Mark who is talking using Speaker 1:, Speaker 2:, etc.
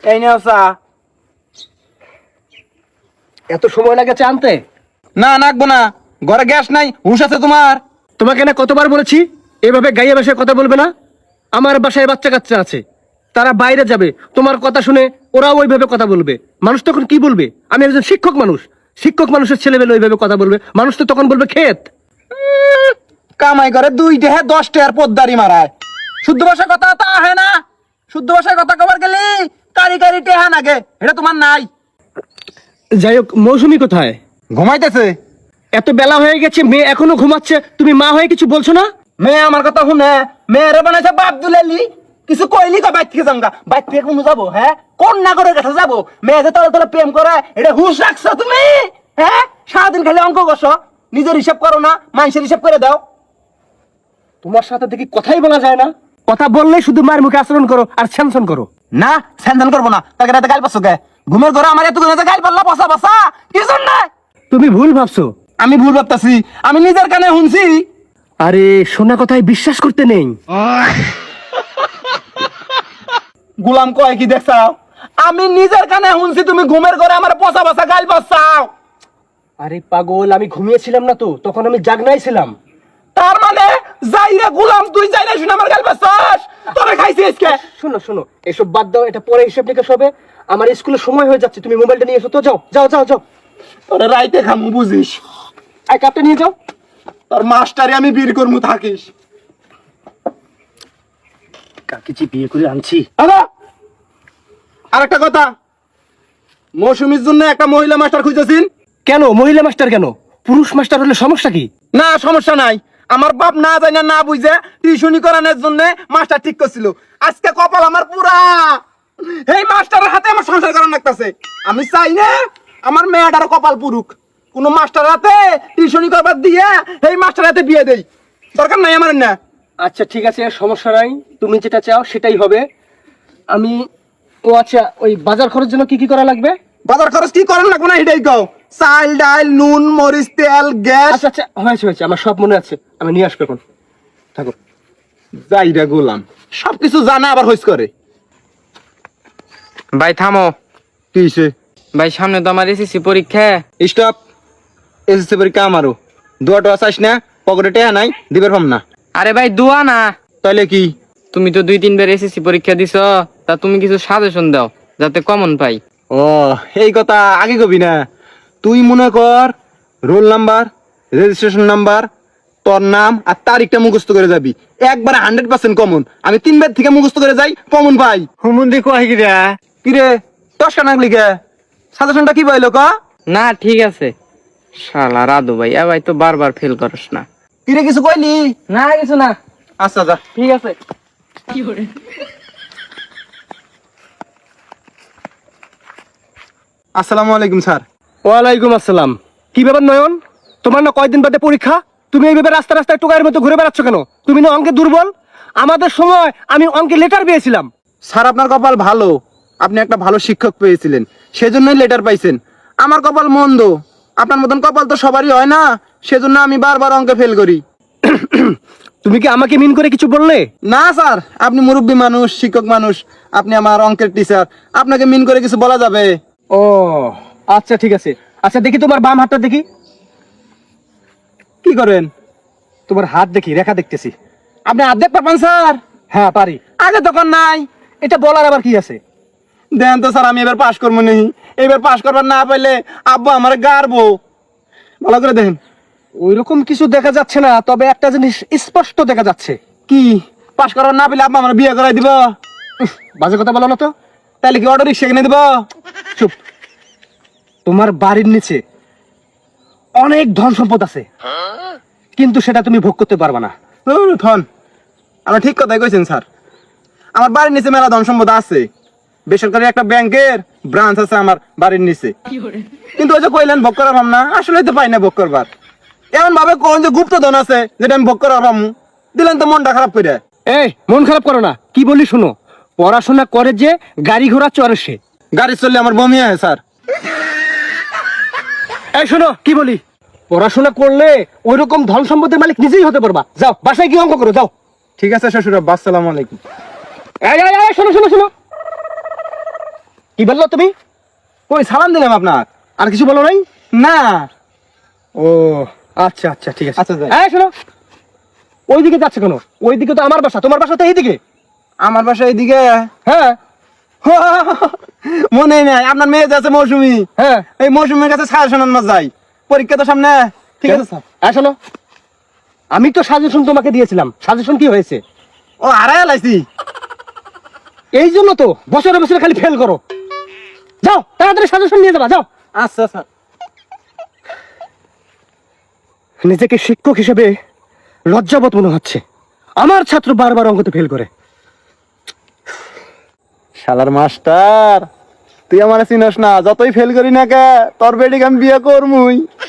Speaker 1: এই নাও চা।
Speaker 2: এত সময় লাগে চা আনতে?
Speaker 1: না নাকবো না, ঘরে গ্যাস নাই। হুঁশ আছে তোমার?
Speaker 2: তোমাকে না কতবার বলেছি এভাবে গাইয়া বাসায় কথা বলবে না। আমার বাসায় বাচ্চা কাচ্চা আছে, তারা বাইরে যাবে, তোমার কথা শুনে ওরাও ওইভাবে কথা বলবে। মানুষ তখন কি বলবে? আমি একজন শিক্ষক মানুষ, শিক্ষক মানুষের ছেলেবেলে ওইভাবে কথা বলবে, মানুষ তো তখন বলবে ক্ষেত।
Speaker 1: কামাই করে 2 টাকা 10 টাকার পদ্মারি মারায়। শুদ্ধ ভাষায় কথা তা হয় না। শুদ্ধ ভাষায় কথা কবার গেলি কারি কারি টেহা নাগে, এটা তোমার নাই।
Speaker 2: যাই হোক, মৌসুমী কোথায়?
Speaker 1: ঘুমাইতেছে।
Speaker 2: এত বেলা হয়ে গেছে, মেয়ে এখনো ঘুমাচ্ছে, তুমি মা হয়ে কিছু বলছো না?
Speaker 1: মেয়ে আমার কথা শুনে, মেয়েরে বানাইছে বাপ দুলালি। কিছু কইলি তো বাইর থেকে যাঙ্গা, বাইর থেকে কোনো যাবো? হ্যাঁ, কোন নাগরের কাছে যাবো? মেয়ে যে তলে তলে প্রেম করে, এটা হুঁশ রাখছো তুমি? হ্যাঁ, সারাদিন খালি অঙ্ক কষো, নিজের হিসাব করো না, মানুষের হিসাব করে দাও।
Speaker 2: তোমার সাথে দেখি কথাই বলা যায় না, কথা বললে শুধু মায়ের মুখে আচরণ করো আর স্যামসন করো।
Speaker 1: না, স্যানদান করবো না। তাকে রাতে গাল পাচ্ছ কে? ঘুমের ঘরে আমার এত গাল পাল্লা বসা বসা কিছু নাই।
Speaker 2: তুমি ভুল ভাবছো।
Speaker 1: আমি ভুল ভাবতাছি? আমি নিজের কানে শুনছি।
Speaker 2: আরে শোনা কথায় বিশ্বাস করতে নেই।
Speaker 1: গুলাম কয় কি দেখছাও? আমি নিজের কানে শুনছি তুমি ঘুমের ঘরে আমার পচা বসা গাল পাচ্ছাও।
Speaker 2: আরে পাগল, আমি ঘুমিয়েছিলাম না তো, তখন আমি জাগনাই ছিলাম।
Speaker 1: তার মানে যাইরা গুলাম, তুই যাইরা শুনে আমার গাল পাচ্ছাস? তোরে খাইছিস কে?
Speaker 2: শোনো শোনো, এসব বাদ দাও, এটা পরে হিসেব নিকাশ হবে। আমার স্কুলের সময় হয়ে যাচ্ছে, তুমি মোবাইলটা নিয়ে এসো তো। যাও যাও যাও যাও।
Speaker 1: তোরে রাইতে খামু বুঝিস?
Speaker 2: এই কাপটা নিয়ে যাও।
Speaker 1: তোর মাস্টারে আমি বীর করমু থাকিস।
Speaker 2: কাকে যে বিয়ে করে আনছি।
Speaker 1: আর একটা কথা, মৌসুমীর জন্য একটা মহিলা মাস্টার খুঁজেছিন।
Speaker 2: কেন মহিলা মাস্টার কেন? পুরুষ মাস্টার হলে সমস্যা কি?
Speaker 1: না, সমস্যা নাই। আমার বাপ না জানি না বুঝে টিউশনি করানোর জন্য মাস্টার ঠিক করছিল। আজকে কপাল আমার পুরা। এই মাস্টারের হাতে আমার সংসার করানো লাগতেছে। আমি চাই না আমার মেয়েটার কপাল পুরুক। কোন মাস্টার হাতে টিউশনি করবার দিয়ে এই মাস্টার হাতে বিয়ে দেই, দরকার নাই আমার। না
Speaker 2: আচ্ছা ঠিক আছে, সমস্যা নাই, তুমি যেটা চাও সেটাই হবে। আমি আচ্ছা, ওই বাজার খরচ জন্য কি কি করা লাগবে?
Speaker 1: বাজার খরচ কি করেন লাগবে না এটাই কও। চাল ডাল নুন মরিচ তেল গ্যাস।
Speaker 2: আচ্ছা আচ্ছা, হয়েছে হয়েছে, আমার সব মনে আছে, আমি নিয়ে আসবো এখন। থাকো।
Speaker 1: যাইরা গোলাম সবকিছু জানা আবার হইস করে।
Speaker 3: ভাই থামো।
Speaker 1: কি হইছে?
Speaker 3: ভাই সামনে তো আমার এসএসসি পরীক্ষা।
Speaker 1: স্টপ। এসএসসি পরীক্ষা আমারও। দুয়াটো আসাইস না, পকেটে টেহা নাই, দিবের পাম না।
Speaker 3: আরে ভাই দোয়া না,
Speaker 1: তাইলে কি?
Speaker 3: তুমি তো 2-3 বার এসএসসি পরীক্ষা দিছ, তা তুমি কিছু সাজেশন দাও যাতে কমন পাই।
Speaker 1: ও, এই কথা আগে কবি না। তুই মনে কর রোল নাম্বার, রেজিস্ট্রেশন নাম্বার, তোর নাম আর তারিখটা মুখস্থ করে যাবি, একবারে 100% কমন। আমি 3 বার থেকে মুখস্থ করে যাই, কমন পাই।
Speaker 2: হুমুন্দি কয় কি রে?
Speaker 1: কিরে দশটা নাগলি কে? সাজেশনটা কি পাইলো ক?
Speaker 3: না ঠিক আছে। শালা রাধু ভাই, ভাই তো বারবার ফেল করস না।
Speaker 1: কিরে কিছু কইলি?
Speaker 3: না কিছু না।
Speaker 1: আচ্ছা যা।
Speaker 3: ঠিক আছে।
Speaker 1: আসসালামু আলাইকুম স্যার।
Speaker 2: ওয়ালাইকুম আসসালাম। কি ব্যাপার নয়ন, তোমার না কয়দিন বাদে পরীক্ষা, তুমি এইভাবে রাস্তা রাস্তায় টোকাইয়ের মতো ঘুরে বেড়াচ্ছ কেন? তুমি না অঙ্কে দুর্বল? আমাদের সময় আমি অঙ্কে লেটার পেয়েছিলাম।
Speaker 1: স্যার আপনার কপাল ভালো, আপনি একটা ভালো শিক্ষক পেয়েছিলেন, সেজন্যই লেটার পাইছেন। আমার কপাল মন্দ, আপনার মতন কপাল তো সবারই হয় না, সেজন্য আমি বারবার অঙ্কে ফেল করি।
Speaker 2: তুমি কি আমাকে মিন করে কিছু বললে?
Speaker 1: না স্যার, আপনি মুরব্বী মানুষ, শিক্ষক মানুষ, আপনি আমার অঙ্কের টিচার, আপনাকে মিন করে কিছু বলা যাবে?
Speaker 2: ও আচ্ছা ঠিক আছে। আচ্ছা দেখি তোমার বাম হাতটা দেখি।
Speaker 1: কি করেন?
Speaker 2: তোমার হাত দেখি, রেখা দেখতেছি।
Speaker 1: আপনি অর্ধেক পাবেন স্যার?
Speaker 2: হ্যাঁ পারি।
Speaker 1: আগে তখন নাই।
Speaker 2: এটা বলার আবার কি আছে?
Speaker 1: দেন তো স্যার, আমি এবার পাশ করবো নি। এবার পাশ করবার না পাইলে আব্বু আমার গাড়বো। ভালো করে দেখেন।
Speaker 2: ওইরকম কিছু দেখা যাচ্ছে না, তবে একটা জিনিস স্পষ্ট দেখা যাচ্ছে।
Speaker 1: কি? পাশ করবার না পেলে আব্বা আমার বিয়ে করাই দিব?
Speaker 2: বাজে কথা বলো না তো।
Speaker 1: তাহলে কি অটো রিক্সা কিনে দিব?
Speaker 2: চুপ। তোমার বাড়ির নিচে অনেক ধন সম্পদ আছে, কিন্তু সেটা তুমি ভোগ করতে পারবে না।
Speaker 1: ধন? আমরা ঠিক কথাই কইছেন স্যার। আমার বাড়ির নিচে মেলা ধন সম্পদ আছে। বেসরকারি একটা ব্যাংকের ব্রাঞ্চ আছে আমার বাড়ির নিচে। কিন্তু ওই যে কইলেন ভোগ করার ভাবনা, আসলে তো পাই না ভোগ করবার। এমন ভাবে কোন যে গুপ্ত ধন আছে যেটা আমি ভোগ করার ভাবমু, দিলেন তো মনটা খারাপ করে।
Speaker 2: এই মন খারাপ করো না, কি বলি শুনো। পড়াশোনা করে যে গাড়ি ঘোড়া চড়ে সে।
Speaker 1: গাড়ি চললে আমার বমি হয় স্যার।
Speaker 2: এই শোনো কি বলি, পড়াশোনা করলে ওইরকম ধন সম্পদের মালিক নিজেই হতে পারবা। যাও বাসায় কি অঙ্ক করো যাও।
Speaker 1: ঠিক আছে শ্বশুর আব্বা, আসসালামু আলাইকুম।
Speaker 2: এই শোনো শোনো শোনো, কি বললো তুমি?
Speaker 1: কই সালাম দিলাম আপনার।
Speaker 2: আর কিছু বলো নাই?
Speaker 1: না।
Speaker 2: ও আচ্ছা আচ্ছা ঠিক আছে।
Speaker 1: আচ্ছা, যাই।
Speaker 2: এই শোনো, ওইদিকে যাচ্ছে কেন? ওইদিকে তো আমার বাসা, তোমার বাসা তো এইদিকে।
Speaker 1: আমার বাসা এইদিকে।
Speaker 2: হ্যাঁ
Speaker 1: মনে নাই আপনার মেয়ে যে আছে মৌসুমি,
Speaker 2: হ্যাঁ।
Speaker 1: এই মৌসুমীর কাছে সাজেশন আনবা যাই, পরীক্ষা তো সামনে। ঠিক আছে স্যার।
Speaker 2: এই শোনো, আমি তো সাজেশন তোমাকে দিয়েছিলাম, সাজেশন কি হয়েছে?
Speaker 1: ও হারাই লাইছি।
Speaker 2: এই জন্য তো বছরে বছরে খালি ফেল করো। যাও তাড়াতাড়ি সাজেশন নিয়ে যাবা, যাও।
Speaker 1: আচ্ছা স্যার।
Speaker 2: নিজেকে শিক্ষক হিসেবে লজ্জাবোধ মনে হচ্ছে, আমার ছাত্র বারবার অঙ্কতে ফেল করে।
Speaker 1: শালার মাস্টার, তুই আমার চিনস না, যতই ফেল করি না কে তোর বেডিকে আমি বিয়ে করমুই।